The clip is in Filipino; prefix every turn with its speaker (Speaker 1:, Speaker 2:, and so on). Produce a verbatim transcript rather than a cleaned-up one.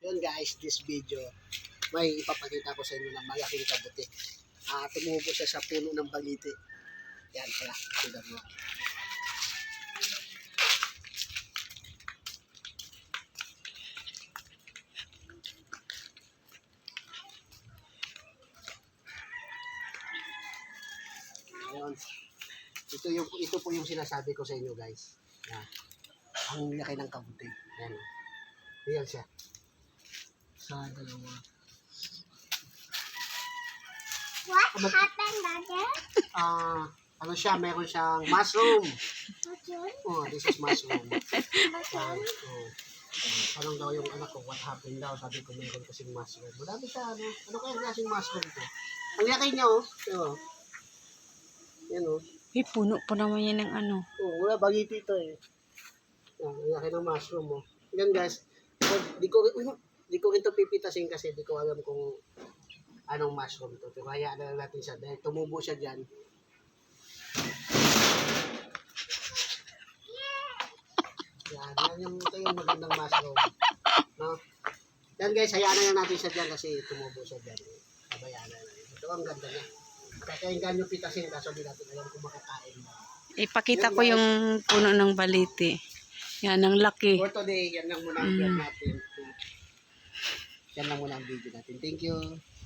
Speaker 1: Yun guys, this video, may ipapakita ko sa inyo ng malaking kabuti. Uh, tumubo siya sa puno ng baliti. Yan pala, tignan mo. Ayan. Ito, yung, ito po yung sinasabi ko sa inyo guys. Yan. Ang laki ng kabuti. Yan. Ayan siya. Sa dalawa.
Speaker 2: What But, happened, Daddy?
Speaker 1: Ah, uh, ano siya, meron siyang mushroom.
Speaker 2: Mushroom?
Speaker 1: Oh, this is mushroom.
Speaker 2: Mushroom?
Speaker 1: Oh. Parang daw yung anak ko, what happened daw? Sabi ko, meron kasing mushroom. Madami siya, ano? Ano kaya klaseng mushroom ko? Ang laki niya, oh. Yan, oh. Yan, oh.
Speaker 3: Eh, puno pa naman yan ng ano.
Speaker 1: Oh, wala, bagiti ito, eh. Yan, ang laki ng mushroom, oh. Yan, guys. So, di ko, di ko ito pipitasin kasi di ko alam kung anong mushroom to. Pero hayaan na lang natin siya dahil tumubo siya dyan. Yan, yan yung, ito yung magandang mushroom. No? Yan guys, hayaan na lang natin siya dyan kasi tumubo siya dyan. Kabayaan na lang. Ito ang ganda niya. Kaya yung ganyo pitasin kaso di natin alam kung makakain mo.
Speaker 3: Ipakita ko yung puno ng baliti. Yan, ang laki.
Speaker 1: For today, yan lang muna ang vlog natin. Yan lang muna ang video natin. Thank you.